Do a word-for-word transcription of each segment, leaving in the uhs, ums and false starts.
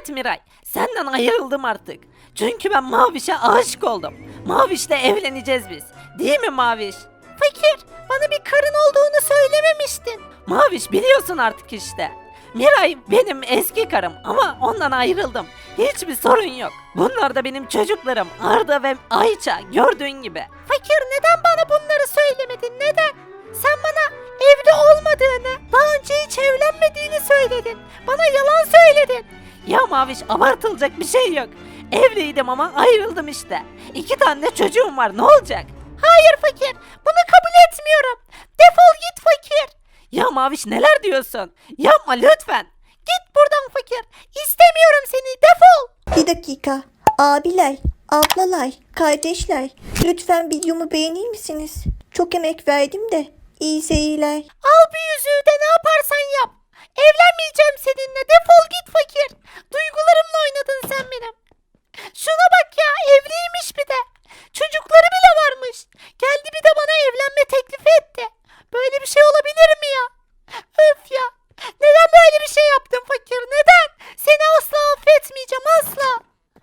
Evet Miray, senden ayrıldım artık. Çünkü ben Maviş'e aşık oldum. Maviş'le evleneceğiz biz. Değil mi Maviş? Fakir, bana bir karın olduğunu söylememiştin. Maviş biliyorsun artık işte. Miray benim eski karım ama ondan ayrıldım. Hiçbir sorun yok. Bunlar da benim çocuklarım Arda ve Ayça gördüğün gibi. Fakir neden bana bunları söylemedin neden? Sen bana evli olmadığını, daha önce hiç evlenmediğini söyledin. Bana yalan söyledin. Ya Maviş abartılacak bir şey yok. Evliydim ama ayrıldım işte. İki tane de çocuğum var ne olacak? Hayır fakir bunu kabul etmiyorum. Defol git fakir. Ya Maviş neler diyorsun? Yapma lütfen. Git buradan fakir. İstemiyorum seni defol. Bir dakika. Abiler, ablalar, kardeşler. Lütfen videomu beğenir misiniz? Çok emek verdim de. İyi seyirler. Al bir yüzüğü de ne yaparsan yap. Evlenmeyeceğim seninle defol git fakir. Duygularımla oynadın sen benim. Şuna bak ya evliymiş bir de. Çocukları bile varmış. Geldi bir de bana evlenme teklifi etti. Böyle bir şey olabilir mi ya? Öf ya. Neden böyle bir şey yaptın fakir? Neden? Seni asla affetmeyeceğim asla.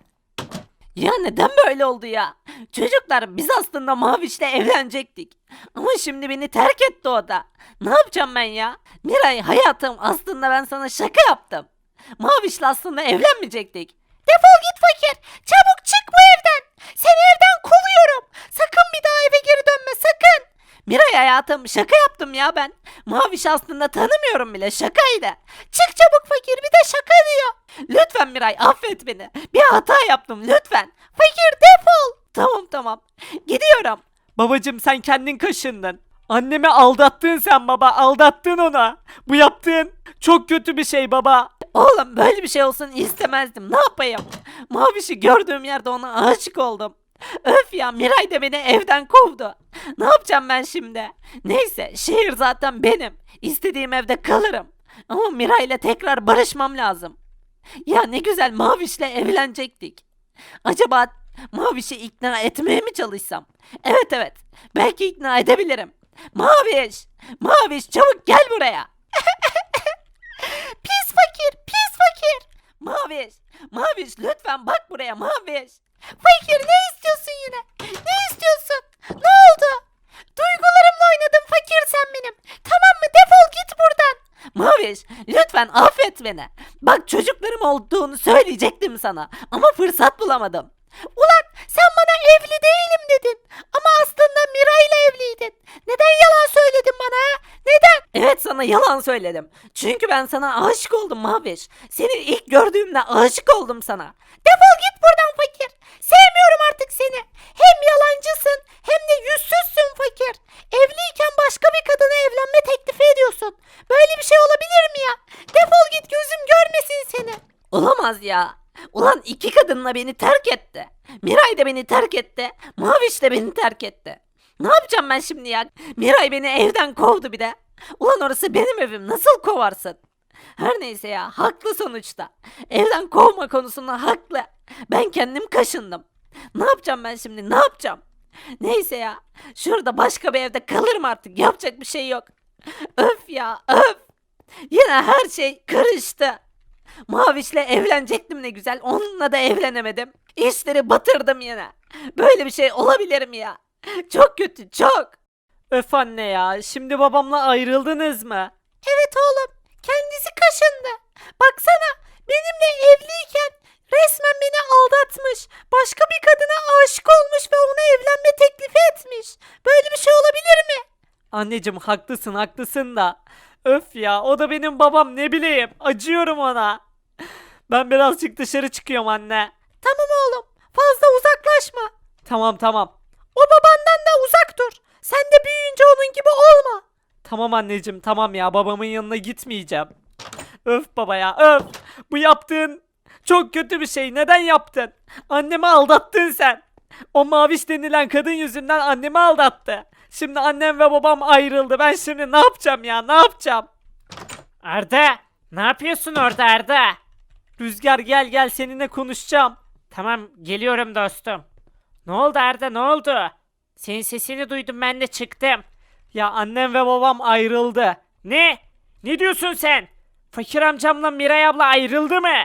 Ya neden böyle oldu ya? Çocuklar biz aslında Maviş'le evlenecektik. Ama şimdi beni terk etti o da. Ne yapacağım ben ya? Miray hayatım aslında ben sana şaka yaptım. Maviş'le aslında evlenmeyecektik. Defol git fakir. Çabuk çık bu evden. Seni evden kovuyorum. Sakın bir daha eve geri dönme sakın. Miray hayatım şaka yaptım ya ben. Maviş aslında tanımıyorum bile şakaydı. Çık çabuk fakir bir de şaka diyor. Lütfen Miray affet beni. Bir hata yaptım lütfen. Fakir defol. Tamam tamam. Gidiyorum. Babacım sen kendin kaşındın. Annemi aldattın sen baba aldattın ona. Bu yaptığın çok kötü bir şey baba. Oğlum böyle bir şey olsun istemezdim ne yapayım. Maviş'i gördüğüm yerde ona aşık oldum. Öf ya Miray da beni evden kovdu. Ne yapacağım ben şimdi? Neyse şehir zaten benim. İstediğim evde kalırım. Ama Miray'la tekrar barışmam lazım. Ya ne güzel Maviş'le evlenecektik. Acaba Maviş'i ikna etmeye mi çalışsam? Evet evet belki ikna edebilirim. Maviş! Maviş çabuk gel buraya. Pis fakir pis fakir. Maviş! Maviş lütfen bak buraya Maviş. Fakir ne istiyorsun yine? Ne istiyorsun? Ne oldu? Duygularımla oynadın fakir sen benim. Tamam mı? Defol git buradan. Maviş lütfen affet beni. Bak çocuklarım olduğunu söyleyecektim sana. Ama fırsat bulamadım. Ulan sen bana evli değilim dedin. Ama aslında Miray'la evliydin. Neden yalan söyledin bana ha? Neden? Evet sana yalan söyledim. Çünkü ben sana aşık oldum Maviş. Seni ilk gördüğümde aşık oldum sana. Defol git buradan fakir. Sevmiyorum artık seni. Hem yalancısın hem de yüzsüzsün fakir. Evliyken başka bir kadına evlenme teklifi ediyorsun. Böyle bir şey olabilir mi ya? Defol git gözüm görmesin seni. Olamaz ya. Ulan iki kadınla beni terk etti. Miray da beni terk etti. Maviş de beni terk etti. Ne yapacağım ben şimdi ya? Miray beni evden kovdu bir de. Ulan orası benim evim nasıl kovarsın? Her neyse ya haklı sonuçta. Evden kovma konusunda haklı. Ben kendim kaşındım. Ne yapacağım ben şimdi ne yapacağım? Neyse ya şurada başka bir evde kalırım artık yapacak bir şey yok. Öf ya öf. Yine her şey karıştı. Maviş'le evlenecektim ne güzel. Onunla da evlenemedim. İşleri batırdım yine. Böyle bir şey olabilir mi ya? Çok kötü çok. Öf anne ya. Şimdi babamla ayrıldınız mı? Evet oğlum. Kendisi kaşındı. Baksana benimle evliyken resmen beni aldatmış. Başka bir kadına aşık olmuş ve ona evlenme teklifi etmiş. Böyle bir şey olabilir mi? Anneciğim haklısın haklısın da. Öf ya o da benim babam ne bileyim. Acıyorum ona. Ben birazcık dışarı çıkıyorum anne. Tamam oğlum. Fazla uzaklaşma. Tamam tamam. O babandan da uzak dur. Sen de büyüyünce onun gibi olma. Tamam anneciğim tamam ya babamın yanına gitmeyeceğim. Öf baba ya öf. Bu yaptığın çok kötü bir şey. Neden yaptın? Annemi aldattın sen. O Maviş denilen kadın yüzünden annemi aldattı. Şimdi annem ve babam ayrıldı. Ben şimdi ne yapacağım ya ne yapacağım? Arda ne yapıyorsun orada Arda? Rüzgar gel gel seninle konuşacağım. Tamam geliyorum dostum. Ne oldu Arda ne oldu? Senin sesini duydum ben de çıktım. Ya annem ve babam ayrıldı. Ne? Ne diyorsun sen? Fakir amcamla Miray abla ayrıldı mı?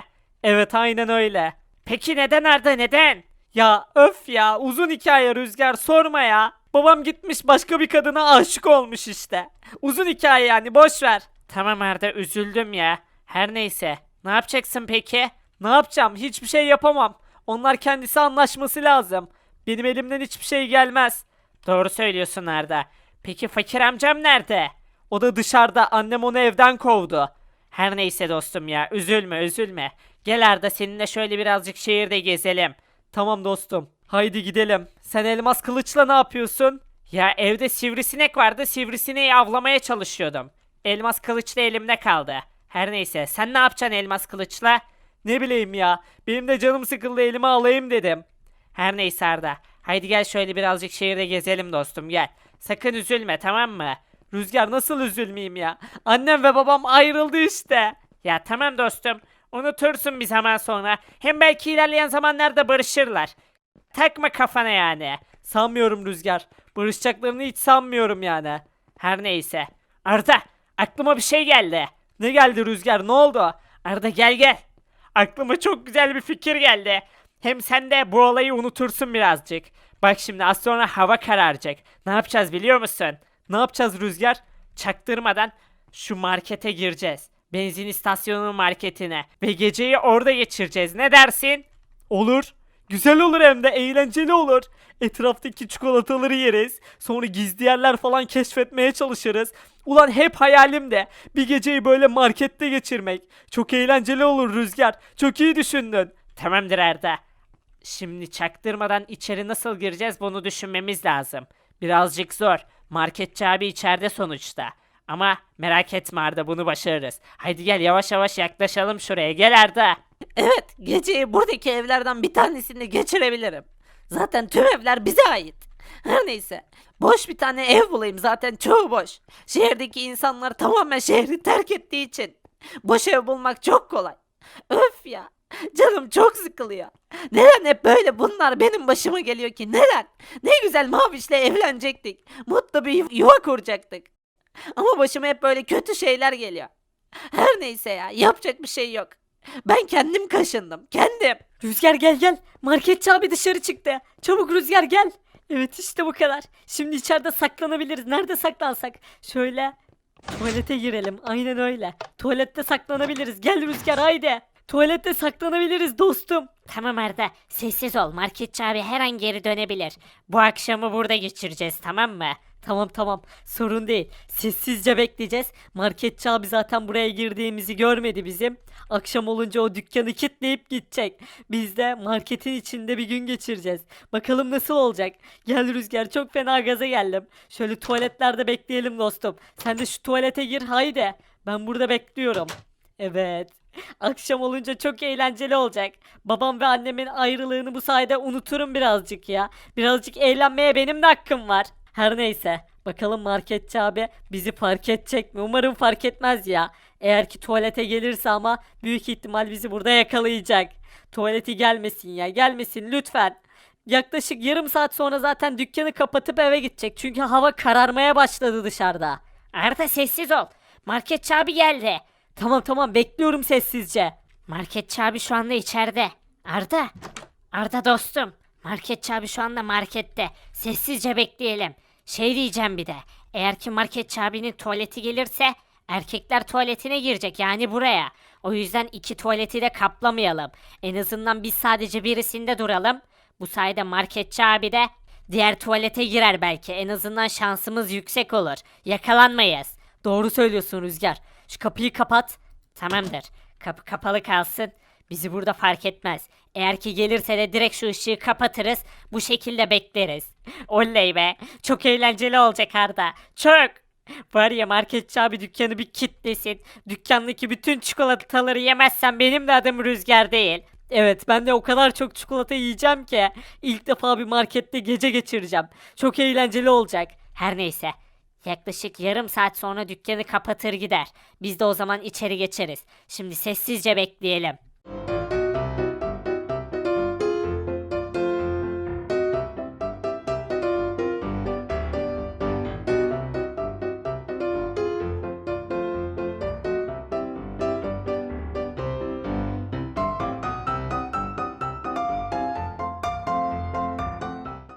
Evet aynen öyle. Peki neden Arda neden? Ya öf ya uzun hikaye Rüzgar sorma ya. Babam gitmiş başka bir kadına aşık olmuş işte. Uzun hikaye yani boş ver. Tamam Arda üzüldüm ya. Her neyse. Ne yapacaksın peki? Ne yapacağım? Hiçbir şey yapamam. Onlar kendisi anlaşması lazım. Benim elimden hiçbir şey gelmez. Doğru söylüyorsun Arda. Peki fakir amcam nerede? O da dışarıda. Annem onu evden kovdu. Her neyse dostum ya. Üzülme üzülme. Gel Arda seninle şöyle birazcık şehirde gezelim. Tamam dostum. Haydi gidelim. Sen elmas kılıçla ne yapıyorsun? Ya evde sivrisinek vardı. Sivrisineği avlamaya çalışıyordum. Elmas kılıç da elimde kaldı. Her neyse sen ne yapacaksın elmas kılıçla? Ne bileyim ya. Benim de canım sıkıldı elime alayım dedim. Her neyse Arda. Haydi gel şöyle birazcık şehirde gezelim dostum gel. Sakın üzülme tamam mı? Rüzgar nasıl üzülmeyeyim ya? Annem ve babam ayrıldı işte. Ya tamam dostum. Unutursun bir zaman sonra. Hem belki ilerleyen zamanlarda barışırlar. Takma kafana yani. Sanmıyorum Rüzgar. Barışacaklarını hiç sanmıyorum yani. Her neyse. Arda aklıma bir şey geldi. Ne geldi Rüzgar ne oldu? Arda gel gel. Aklıma çok güzel bir fikir geldi. Hem sen de bu olayı unutursun birazcık. Bak şimdi az sonra hava kararacak. Ne yapacağız biliyor musun? Ne yapacağız Rüzgar? Çaktırmadan şu markete gireceğiz. Benzin istasyonunun marketine. Ve geceyi orada geçireceğiz. Ne dersin? Olur. Güzel olur hem de eğlenceli olur. Etraftaki çikolataları yeriz. Sonra gizli yerler falan keşfetmeye çalışırız. Ulan hep hayalim de bir geceyi böyle markette geçirmek. Çok eğlenceli olur Rüzgar. Çok iyi düşündün. Tamamdır Arda. Şimdi çaktırmadan içeri nasıl gireceğiz bunu düşünmemiz lazım. Birazcık zor. Marketçi abi içeride sonuçta. Ama merak etme Arda bunu başarırız. Haydi gel yavaş yavaş yaklaşalım şuraya. Gel Arda. Evet, geceyi buradaki evlerden bir tanesinde geçirebilirim. Zaten tüm evler bize ait. Her neyse. Boş bir tane ev bulayım zaten çoğu boş. Şehirdeki insanlar tamamen şehri terk ettiği için. Boş ev bulmak çok kolay. Öf ya. Canım çok sıkılıyor. Neden hep böyle bunlar benim başıma geliyor ki? Neden? Ne güzel Maviş'le evlenecektik. Mutlu bir yuva kuracaktık. Ama başıma hep böyle kötü şeyler geliyor. Her neyse ya yapacak bir şey yok. Ben kendim kaşındım. Kendim. Rüzgar gel gel. Marketçi abi dışarı çıktı. Çabuk Rüzgar gel. Evet işte bu kadar. Şimdi içeride saklanabiliriz. Nerede saklansak? Şöyle tuvalete girelim. Aynen öyle. Tuvalette saklanabiliriz. Gel Rüzgar haydi. Tuvalette saklanabiliriz dostum. Tamam Arda, sessiz ol. Marketçi abi her an geri dönebilir. Bu akşamı burada geçireceğiz, tamam mı? Tamam tamam sorun değil. Sessizce bekleyeceğiz. Marketçi abi zaten buraya girdiğimizi görmedi bizim. Akşam olunca o dükkanı kilitleyip gidecek. Biz de marketin içinde bir gün geçireceğiz. Bakalım nasıl olacak. Gel Rüzgar çok fena gaza geldim. Şöyle tuvaletlerde bekleyelim dostum. Sen de şu tuvalete gir haydi. Ben burada bekliyorum. Evet. Akşam olunca çok eğlenceli olacak. Babam ve annemin ayrılığını bu sayede unuturum birazcık ya. Birazcık eğlenmeye benim de hakkım var. Her neyse. Bakalım marketçi abi bizi fark edecek mi? Umarım fark etmez ya. Eğer ki tuvalete gelirse ama büyük ihtimal bizi burada yakalayacak. Tuvaleti gelmesin ya. Gelmesin lütfen. Yaklaşık yarım saat sonra zaten dükkanı kapatıp eve gidecek. Çünkü hava kararmaya başladı dışarıda. Arda sessiz ol. Marketçi abi geldi. Tamam tamam bekliyorum sessizce. Marketçi abi şu anda içeride. Arda. Arda dostum. Marketçi abi şu anda markette. Sessizce bekleyelim. Şey diyeceğim bir de. Eğer ki marketçi abinin tuvaleti gelirse erkekler tuvaletine girecek yani buraya. O yüzden iki tuvaleti de kaplamayalım. En azından biz sadece birisinde duralım. Bu sayede marketçi abi de diğer tuvalete girer belki. En azından şansımız yüksek olur. Yakalanmayız. Doğru söylüyorsun Rüzgar. Şu kapıyı kapat. Tamamdır. Kapı kapalı kalsın. Bizi burada fark etmez. Eğer ki gelirse de direkt şu ışığı kapatırız. Bu şekilde bekleriz. Oley be. Çok eğlenceli olacak Arda. Çok. Var ya marketçi abi dükkanı bir kitlesin. Dükkandaki bütün çikolataları yemezsem benim de adım Rüzgar değil. Evet ben de o kadar çok çikolata yiyeceğim ki ilk defa bir markette gece geçireceğim. Çok eğlenceli olacak. Her neyse. Yaklaşık yarım saat sonra dükkanı kapatır gider. Biz de o zaman içeri geçeriz. Şimdi sessizce bekleyelim.